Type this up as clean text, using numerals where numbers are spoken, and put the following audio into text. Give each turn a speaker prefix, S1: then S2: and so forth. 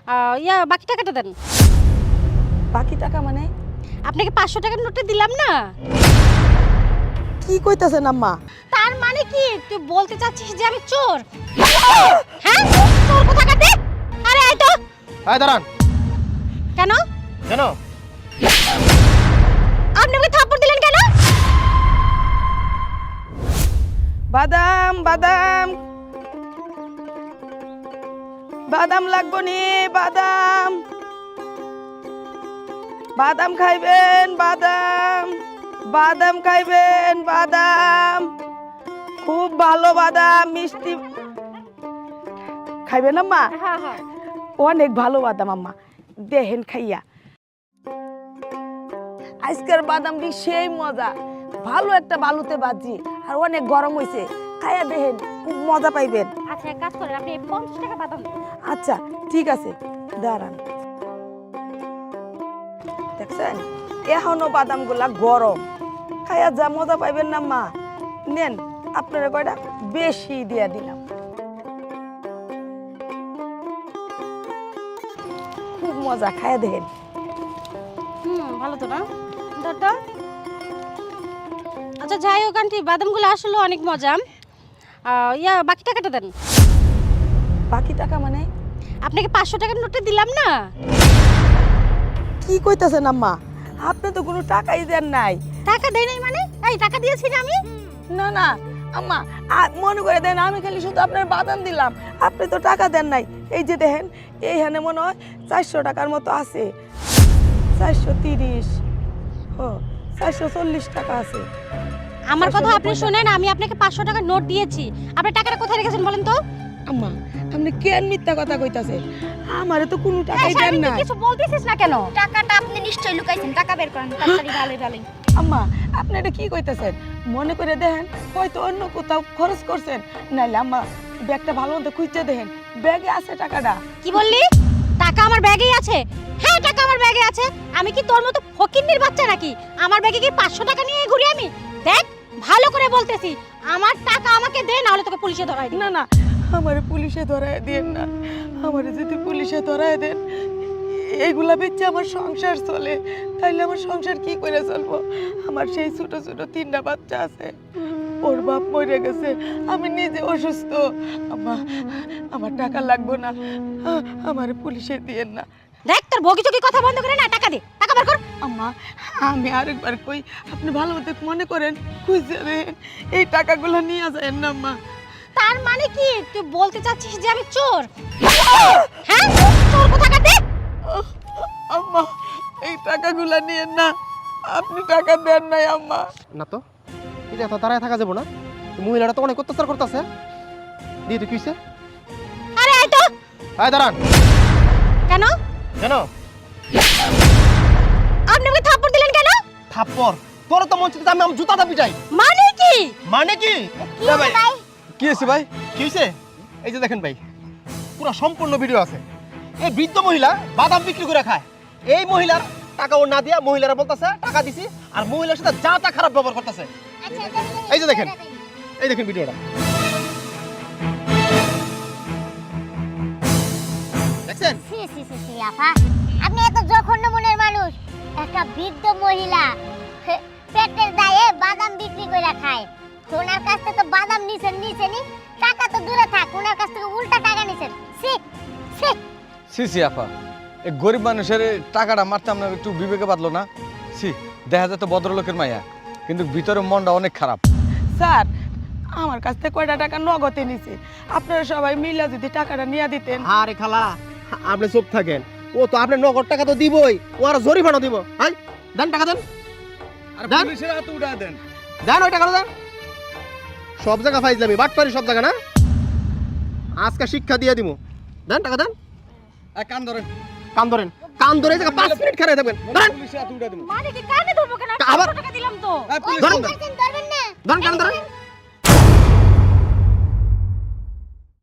S1: বাকি টাকাটা দেন।
S2: বাকি টাকা মানে?
S1: আপনাকে 500 টাকার নোটটা দিলাম না?
S2: কি কইতাছেন আম্মা?
S1: তার মানে কি তুই বলতে চাচ্ছিস যে আমি চোর? হ্যাঁ, চোর কোথাকার দে। আরে আয় তো।
S3: আয় দাঁড়ান।
S1: কেন
S3: কেন?
S1: আপনি আমাকে থাপ্পড় দিলেন কেন?
S2: বাদাম বাদাম বাদাম লাগবো নি? বাদাম বাদাম খাইবেন? বাদাম বাদাম খাইবেন? বাদাম খুব ভালো বাদাম, মিষ্টি খাইবেন আম্মা?
S1: হ্যাঁ হ্যাঁ।
S2: অনেক ভালো বাদাম আম্মা, দেহেন খাইয়া। আজকের বাদামটি সেই মজা, ভালো একটা বালুতে বাজি আর অনেক গরম হইছে, খাইয়া দেহেন, খুব মজা পাইবেন।
S1: আচ্ছা এক কাজ করেন, আপনি 50 টাকা বাদাম দেন।
S2: আচ্ছা ঠিক আছে, দাঁড়ান। দেখছেন এখনো বাদামগুলা গরম, খাইয়া যা মজা পাইবেন না মা। নেন আপনারা কয়টা বেশি দিয়া দিলাম, খুব মজা, খাইয়া দেখেন।
S1: ভালো তো না দাদা? আচ্ছা যাই হোক আন্টি, বাদামগুলো আসলে অনেক মজা। বাকি টাকাটা দেন।
S2: বাকি টাকা মানে?
S1: আপনাকে 500 টাকার নোটটা দিলাম না?
S2: কি কইতাছেন আম্মা? আপনি তো কোনো টাকাই দেন নাই।
S1: টাকা দেই নাই মানে? এই টাকা দিয়েছি না আমি?
S2: না না আম্মা, মনে করে দেন, আমি খালি শুধু আপনার বাদাম দিলাম, আপনি তো টাকা দেন নাই। এই যে দেখেন এইখানে মনে হয় 400 টাকার মতো আছে, 430, ও 440 টাকা আছে।
S1: আমার কথা আপনি শুনেন, আমি আপনাকে 500 টাকার নোট দিয়েছি। আপনি টাকাটা কোথায় রেখেছেন বলেন তো?
S2: আম্মা আপনি কেন মিথ্যা কথা কইতাছেন? আমারে তো কোনো টাকাই দেন নাই।
S1: কিছু বলতেছিস না কেন?
S4: টাকাটা আপনি নিশ্চয়ই লুকাইছেন, টাকা বের করেন তাড়াতাড়ি। ভালোই ভালোই।
S2: আম্মা আপনি এটা কি কইতাছেন? মনে করে দেখেন হয়তো অন্য কোথাও খরচ করছেন, নাইলে আম্মা ব্যাগটা ভালো মতো খুঁজতে দেখেন, ব্যাগে আছে টাকাটা।
S1: কি বললি? টাকা আমার ব্যাগেই আছে? হ্যাঁ টাকা আমার ব্যাগে আছে। আমি কি তোর মতো ফকিন্নির বাচ্চা নাকি? আমার ব্যাগে কি 500 টাকা নিয়ে ঘুরি আমি? দেখ ভালো করে বলতেছি, আমার টাকা আমাকে দে, না হলে তোকে পুলিশে ধরাই দিই।
S2: না না, আমারে পুলিশে ধরায় দেন না। আমারে যদি পুলিশে ধরায় দেন, এইগুলা বেচে আমার সংসার চলে, তাইলে আমার সংসার কি করে চলবো? আমার সেই ছোট ছোট 3টা বাচ্চা আছে, ওর বাপ মরে গেছে, আমি নিজে অসুস্থ। আমার টাকা লাগবে না, আমারে পুলিশে দিয়েন না।
S1: দেখ তোর বগি চগি কথা বন্ধ করে না, টাকা দে, টাকা বের কর।
S2: আম্মা আমি আরেকবার কই, আপনি ভালো মতো মনে করেন, খুঁজে দেন, এই টাকাগুলো নিয়ে যাবেন না আম্মা।
S1: তার মানে কি তুই বলতে চাচ্ছিস যে আমি চোর? হ্যাঁ চোর কোথাকার দে।
S2: আম্মা এই টাকাগুলো নিয়েন না, আপনি টাকা দেন নাই আম্মা।
S3: না তো, এটা তো দাঁড়ায় থাকা যাবো না। মহিলাটা তো অনেক অত্যাচার করতেছে। দিয়ে তো কিসে?
S1: আরে আয় তো।
S3: আয় দাঁড়ান।
S1: কেন
S3: কেন?
S1: আপনি আমাকে থাপ্পড় দিলেন কেন?
S3: থাপ্পড়? তোর তো মন চাইছে আমি আমার জুতাটা পিটাই।
S1: মানে কি?
S3: মানে কি?
S4: কি হলো ভাই?
S3: কি হয়েছে ভাই? কি হয়েছে? এই যে দেখেন ভাই, পুরো সম্পূর্ণ ভিডিও আছে। এই বৃদ্ধ মহিলা বাদাম বিক্রি করে খায়। এই মহিলার টাকা ও না দিয়া মহিলারা বলতেছে টাকা দিছি, আর মহিলার সাথে যা তা খারাপ ব্যবহার করতেছে।
S4: আচ্ছা
S3: এই যে দেখেন, এই দেখেন ভিডিওটা দেখছেন?
S4: সি সি সি সি আপা, আপনি এত জঘন্য মনের মানুষ। একটা বৃদ্ধ মহিলা পেটের দায়ে বাদাম বিক্রি করে খায়। ওনার কাছ থেকে তো বাদাম নিছেন, টাকা তো দূরে থাক, ওনার কাছ থেকে উল্টা টাকা নিছেন। সি সি
S5: সি আপা, এই গরিব মানুষের টাকাটা মারতাম না, একটু বিবেকে বাঁধলো না? সি, দেখা যায় তো ভদ্রলোকের মায়া, কিন্তু ভিতরে মনটা অনেক খারাপ।
S2: স্যার আমার কাছ থেকে কয়টা টাকা নগদে নিছে, আপনারা সবাই মিলে যদি টাকাটা নিয়ে দিতেন।
S3: আরে খালা, আপনি চুপ থাকেন। ও তো আপনি নগদ টাকা তো দিবই, ও আর জরিমানা দিব। হাই দেন, টাকা দেন।
S5: আর
S3: দেন।
S5: পুলিশের হাতে উঠা দেন।
S3: দেন ওই টাকাটা দেন। সব জায়গা ফাইজলামি, বাটপারি সব জায়গা না। আজকে শিক্ষা দিয়ে দিব। দেন টাকা দেন।
S5: কান ধরেন।
S3: কান ধরেন, কান ধরে এই জায়গা 5 মিনিট খেলে থাকবেন। ধরেন।
S5: পুলিশের হাতে উঠা দেবো।
S1: মানে কি কানে ধরবো কেন?
S3: আবার
S1: 500 টাকা দিলাম তো।
S5: পুলিশ
S3: ধরেন।
S4: ধরবেন না?
S3: ধরেন, কান ধরেন।